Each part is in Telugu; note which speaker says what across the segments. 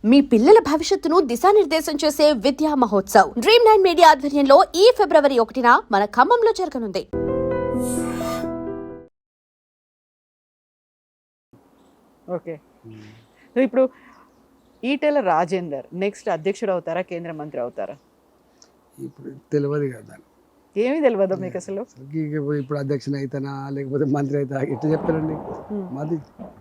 Speaker 1: మీ పిల్లల భవిష్యత్తును దిశానిర్దేశం చేసే విద్యా మహోత్సవ్ Dream9 మీడియా ఆధ్వర్యంలో ఈ ఫిబ్రవరి 1న మన ఖమ్మంలో జరగనుంది.
Speaker 2: ఓకే. సో ఇప్పుడు ఈటెల రాజేందర్ నెక్స్ట్ అధ్యక్షుడు అవుతారా, కేంద్ర మంత్రి అవుతారా?
Speaker 3: ఇప్పుడు తెలియదు కదా,
Speaker 2: ఏమీ తెలియదు మీకు అసలు.
Speaker 3: ఇప్పుడు అధ్యక్షుని అయితేనా లేకపోతే మంత్రి అవుతా ఎట్లా చెప్తారండి మాది.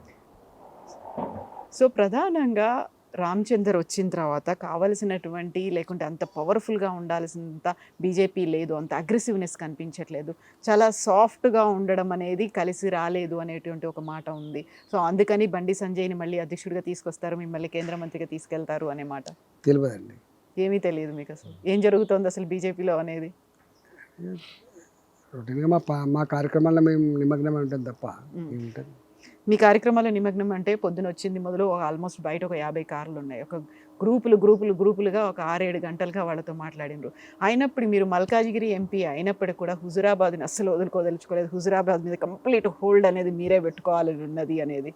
Speaker 2: సో ప్రధానంగా రామచందర్ వచ్చిన తర్వాత కావలసినటువంటి లేకుంటే అంత పవర్ఫుల్గా ఉండాల్సినంత బీజేపీ లేదు, అంత అగ్రెసివ్నెస్ కనిపించట్లేదు, చాలా సాఫ్ట్గా ఉండడం అనేది కలిసి రాలేదు అనేటువంటి ఒక మాట ఉంది. సో అందుకని బండి సంజయ్ని మళ్ళీ అధ్యక్షుడిగా తీసుకొస్తారు, మిమ్మల్ని కేంద్ర మంత్రిగా తీసుకెళ్తారు అనే మాట
Speaker 3: తెలియదండి.
Speaker 2: ఏమీ తెలియదు మీకు అసలు. ఏం జరుగుతుంది అసలు బీజేపీలో అనేది?
Speaker 3: రొటీన్గా మా కార్యక్రమాల్లో మేము నిమగ్నమై ఉంటాం తప్ప ఏముంటుంది.
Speaker 2: మీ కార్యక్రమాల నిమగ్నం అంటే పొద్దున వచ్చింది మొదలు ఆల్మోస్ట్ బయట ఒక 50 కార్లు ఉన్నాయి, ఒక గ్రూపులుగా ఒక 6-7 గంటలుగా వాళ్ళతో మాట్లాడినారు. అయినప్పుడు మీరు మల్కాజిగిరి ఎంపీ అయినప్పటికీ కూడా హుజురాబాద్ని అస్సలు వదులుకోదలుచుకోలేదు, హుజురాబాద్ మీద కంప్లీట్ హోల్డ్ అనేది మీరే పెట్టుకోవాలని ఉన్నది అనేది.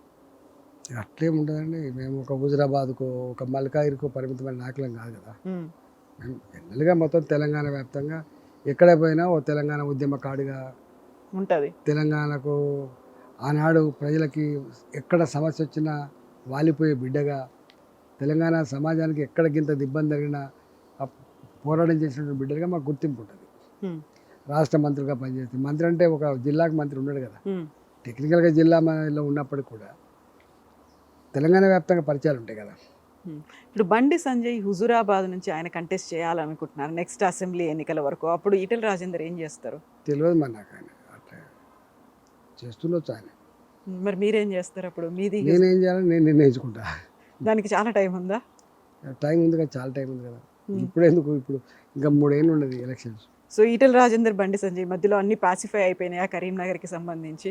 Speaker 3: అట్లేం ఉండదండి. మేము ఒక హుజురాబాద్కు ఒక మల్కాజిగిరికో పరిమితమైన నాయకులం కాదు కదా. మేము జనరల్గా మొత్తం తెలంగాణ వ్యాప్తంగా ఎక్కడ పోయినా ఓ తెలంగాణ ఉద్యమకాడిగా
Speaker 2: ఉంటుంది.
Speaker 3: తెలంగాణకు ఆనాడు ప్రజలకి ఎక్కడ సమస్య వచ్చినా వాలిపోయే బిడ్డగా, తెలంగాణ సమాజానికి ఎక్కడ గింత ఇబ్బంది జరిగినా పోరాటం చేసినటువంటి బిడ్డగా మాకు గుర్తింపు ఉంటుంది. రాష్ట్ర మంత్రిగా పనిచేస్తే మంత్రి అంటే ఒక జిల్లాకు మంత్రి ఉన్నాడు కదా, టెక్నికల్గా జిల్లాలో ఉన్నప్పటికీ కూడా తెలంగాణ వ్యాప్తంగా పరిచయాలు ఉంటాయి కదా.
Speaker 2: ఇప్పుడు బండి సంజయ్ హుజురాబాద్ నుంచి ఆయన కంటెస్ట్ చేయాలనుకుంటున్నారు నెక్స్ట్ అసెంబ్లీ ఎన్నికల వరకు. అప్పుడు ఈటెల రాజేందర్ ఏం చేస్తారు
Speaker 3: తెలియదు మరి నాకు. ఆయన అట్లా చేస్తుండొచ్చు ఆయన.
Speaker 2: మరి మీరేం చేస్తారు అప్పుడు? మీది
Speaker 3: నేనేం చేయాలని నేను నిర్ణయించుకుంటా.
Speaker 2: దానికి చాలా టైం ఉందా?
Speaker 3: టైం ఉంది కదా, చాలా టైం ఉంది కదా. ఇప్పుడు ఎందుకు, ఇప్పుడు ఇంకా 3 ఏళ్ళు ఉండదు ఎలక్షన్స్.
Speaker 2: సో ఈటెల రాజేందర్ బండి సంజయ్ మధ్యలో అన్ని పాసిఫై అయిపోయినాయా కరీంనగర్కి సంబంధించి?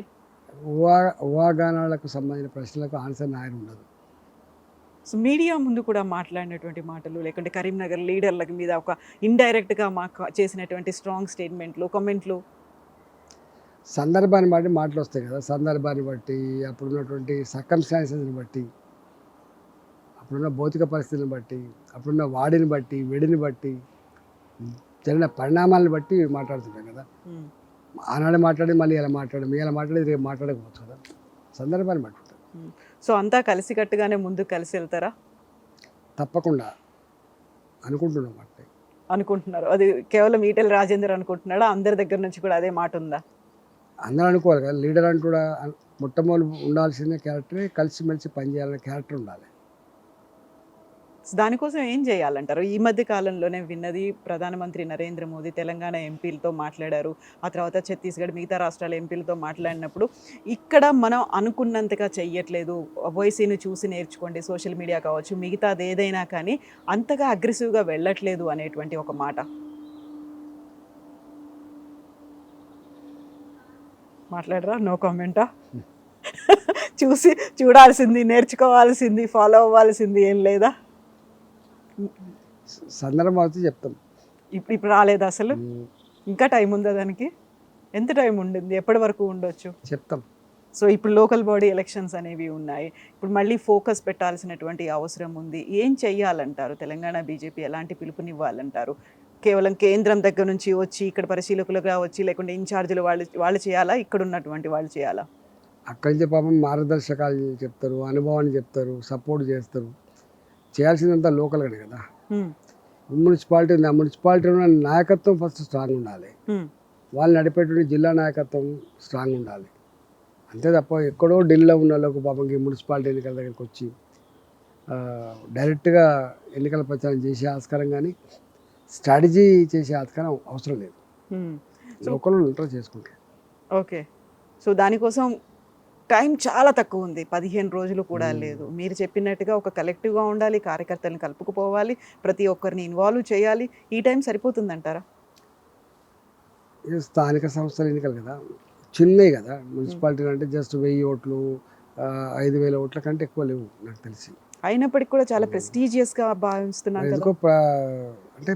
Speaker 3: ఊహాగానాలకు సంబంధించిన ప్రశ్నలకు ఆన్సర్ ఆయన ఉండదు.
Speaker 2: సో మీడియా ముందు కూడా మాట్లాడినటువంటి మాటలు, లేకుంటే కరీంనగర్ లీడర్ల మీద ఒక ఇండైరెక్ట్గా మాకు చేసినటువంటి స్ట్రాంగ్ స్టేట్మెంట్లు, కామెంట్లు,
Speaker 3: సందర్భాన్ని బట్టి మాటలు వస్తాయి కదా. సందర్భాన్ని బట్టి, అప్పుడున్నటువంటి సర్కమ్స్టాన్సెస్ని బట్టి, అప్పుడున్న భౌతిక పరిస్థితిని బట్టి, అప్పుడున్న వాడిని బట్టి, వెడిని బట్టి, జరిగిన పరిణామాలను బట్టి మాట్లాడుతుంటాం కదా. ఆనాడు మాట్లాడి మళ్ళీ ఇలా మాట్లాడేది రేపు మాట్లాడకపోవచ్చు కదా. సందర్భాన్ని బట్టి ఉంటుంది.
Speaker 2: సో అంతా కలిసికట్టుగానే ముందుకు కలిసి వెళ్తారా?
Speaker 3: తప్పకుండా అనుకుంటున్నాం. అంటే
Speaker 2: అనుకుంటున్నారు. అది కేవలం ఈటెల రాజేందర్ అనుకుంటున్నాడా? అందరి దగ్గర నుంచి కూడా అదే మాట ఉందా?
Speaker 3: అందరూ అనుకోవాలి కదా. లీడర్ అంటూ కూడా మొట్టమొదటి ఉండాల్సిన క్యారెక్టరే కలిసిమెలిసి పనిచేయాలనే క్యారెక్టర్ ఉండాలి.
Speaker 2: దానికోసం ఏం చేయాలంటారు? ఈ మధ్య కాలంలోనే విన్నది, ప్రధానమంత్రి నరేంద్ర మోదీ తెలంగాణ ఎంపీలతో మాట్లాడారు, ఆ తర్వాత ఛత్తీస్గఢ్ మిగతా రాష్ట్రాల ఎంపీలతో మాట్లాడినప్పుడు ఇక్కడ మనం అనుకున్నంతగా చెయ్యట్లేదు, ఓవైసీని చూసి నేర్చుకోండి, సోషల్ మీడియా కావచ్చు మిగతాది ఏదైనా కానీ అంతగా అగ్రెసివ్గా వెళ్ళట్లేదు అనేటువంటి ఒక మాట మాట్లాడరా? నో కామెంటా? చూడాల్సింది, నేర్చుకోవాల్సింది, ఫాలో అవ్వాల్సింది ఏం లేదా?
Speaker 3: సందర్భం అయితే చెప్తాం.
Speaker 2: ఇప్పుడు రాలేదు అసలు? ఇంకా టైం ఉందా దానికి? ఎంత టైం ఉండింది? ఎప్పటి వరకు ఉండొచ్చు
Speaker 3: చెప్తాం.
Speaker 2: సో ఇప్పుడు లోకల్ బాడీ ఎలక్షన్స్ అనేవి ఉన్నాయి, ఇప్పుడు మళ్ళీ ఫోకస్ పెట్టాల్సినటువంటి అవసరం ఉంది. ఏం చెయ్యాలంటారు? తెలంగాణ బీజేపీ ఎలాంటి పిలుపునివ్వాలంటారు? కేవలం కేంద్రం దగ్గర నుంచి వచ్చి ఇక్కడ పరిశీలకులుగా వచ్చి, లేకుంటే ఇన్ఛార్జీలు వాళ్ళు చేయాలా, ఇక్కడ ఉన్నటువంటి వాళ్ళు చేయాలా?
Speaker 3: అక్కడి నుంచి పాపం మార్గదర్శకాలు చెప్తారు, అనుభవాన్ని చెప్తారు, సపోర్ట్ చేస్తారు. చేయాల్సిందంతా లోకల్గానే కదా. మున్సిపాలిటీ ఉంది, ఆ మున్సిపాలిటీలో నాయకత్వం ఫస్ట్ స్ట్రాంగ్ ఉండాలి, వాళ్ళు నడిపేటువంటి జిల్లా నాయకత్వం స్ట్రాంగ్ ఉండాలి. అంతే తప్ప ఎక్కడో ఢిల్లీలో ఉన్న వాళ్ళకు పాపంకి మున్సిపాలిటీ ఎన్నికల దగ్గరికి వచ్చి డైరెక్ట్గా ఎన్నికల ప్రచారం చేసే ఆస్కారం కానీ స్ట్రాటజీ చేసే ఆస్కారం అవసరం లేదు. లోకల్ ఇంటర్ చేసుకుంటారు.
Speaker 2: ఓకే. సో దానికోసం టైం చాలా తక్కువ ఉంది, 15 రోజులు కూడా లేదు. మీరు చెప్పినట్టుగా ఒక కలెక్టివ్గా ఉండాలి, కార్యకర్తలను కలుపుకుపోవాలి, ప్రతి ఒక్కరిని ఇన్వాల్వ్ చేయాలి. ఈ టైం సరిపోతుందంటారా?
Speaker 3: స్థానిక సంస్థల ఎన్నికలు కదా, చిన్నవి కదా. మున్సిపాలిటీలు అంటే జస్ట్ 1000 ఓట్లు 5000 ఓట్ల కంటే ఎక్కువ లేవు నాకు తెలిసి.
Speaker 2: అయినప్పటికీ కూడా చాలా ప్రెస్టీజియస్గా భావిస్తున్నారు.
Speaker 3: ఎందుకో అంటే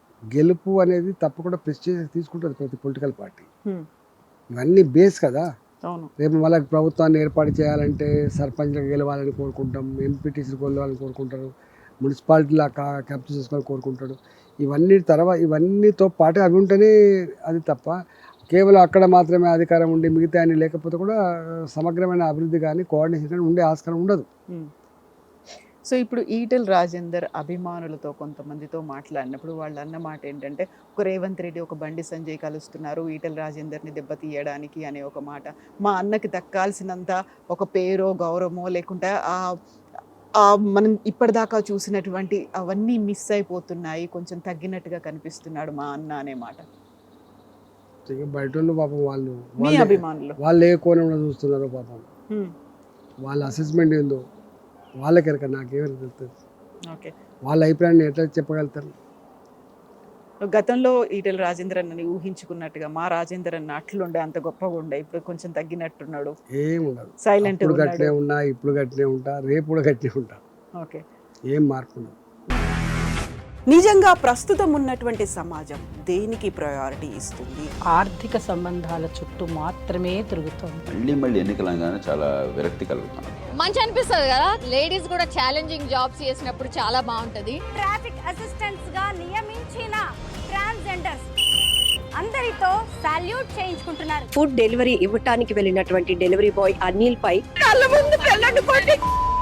Speaker 3: గెలుపు అనేది తప్పకుండా ప్రెస్టీజియస్ తీసుకుంటుంది ప్రతి పొలిటికల్ పార్టీ. ఇవన్నీ బేస్ కదా.
Speaker 2: అవును.
Speaker 3: రేపు వాళ్ళకి ప్రభుత్వాన్ని ఏర్పాటు చేయాలంటే సర్పంచ్లకు గెలవాలని కోరుకుంటాం, ఎంపీటీసీలకు గెలవాలని కోరుకుంటారు, మున్సిపాలిటీలో క్యాప్చర్ చేసుకోవాలని కోరుకుంటాడు. ఇవన్నీతో పాటు అవి ఉంటేనే అది తప్ప కేవలం అక్కడ మాత్రమే అధికారం ఉండి మిగతా అన్ని లేకపోతే కూడా సమగ్రమైన అభివృద్ధి కానీ కోఆర్డినేషన్ కానీ ఉండే ఆస్కారం ఉండదు.
Speaker 2: సో ఇప్పుడు ఈటెల రాజేందర్ అభిమానులతో కొంతమందితో మాట్లాడినప్పుడు వాళ్ళు అన్న మాట ఏంటంటే, ఒక రేవంత్ రెడ్డి ఒక బండి సంజయ్ కలుస్తున్నారు ఈటెల రాజేందర్ని దెబ్బతీయడానికి అనే ఒక మాట. మా అన్నకి దక్కాల్సినంత ఒక పేరో గౌరవమో లేకుంటే మనం ఇప్పటిదాకా చూసినటువంటి అవన్నీ మిస్ అయిపోతున్నాయి, కొంచెం తగ్గినట్టుగా కనిపిస్తున్నాడు మా అన్న అనే మాట.
Speaker 3: బయట వాళ్ళు పాపం
Speaker 2: మీ అభిమానులు
Speaker 3: వాళ్ళు ఏ కోణంలో చూస్తున్నారో పాపం, వాళ్ళ అసెస్మెంట్ ఏందో వాళ్ళకెరక, నాకేమైనా తెలుస్తుంది.
Speaker 2: ఓకే,
Speaker 3: వాళ్ళ అభిప్రాయాన్ని ఎట్లా చెప్పగలుగుతారు?
Speaker 2: గతంలో ఈటెల రాజేందర్ అన్నని ఊహించుకున్నట్టుగా మా రాజేందర్ అన్న అట్లుండే అంత గొప్పగా ఉండే, ఇప్పుడు కొంచెం తగ్గినట్టున్నాడు,
Speaker 3: ఏముండదు.
Speaker 2: సైలెంట్
Speaker 3: గట్టినే ఉన్నా, ఇప్పుడు గట్టినే ఉంటా, రేపు కూడా గట్టినే ఉంటా.
Speaker 2: ఓకే,
Speaker 3: ఏం మార్పు ఉండదు.
Speaker 2: నిజంగా ప్రస్తుతం ఉన్నటువంటి సమాజం దేనికి ప్రయారిటీ ఇస్తుంది?
Speaker 4: ఆర్థిక సంబంధాల చుట్టూ మాత్రమే తిరుగుతోంది.
Speaker 5: మళ్ళీ ఎన్నికలంగానే చాలా విరక్తి కలుగుతున్నాను.
Speaker 6: మంచి అనిపిస్తుంది కదా, లేడీస్ కూడా ఛాలెంజింగ్ జాబ్స్ చేసినప్పుడు చాలా బాగుంటది.
Speaker 7: ట్రాఫిక్ అసిస్టెంట్స్ గా నియమించిన ట్రాన్స్జెండర్స్ అందరితో సాల్యూట్ చేయించుకుంటున్నారు.
Speaker 8: ఫుడ్ డెలివరీ ఇవ్వటానికి వెళ్ళినటువంటి డెలివరీ బాయ్ అనిల్ పై కళ్ళ ముందు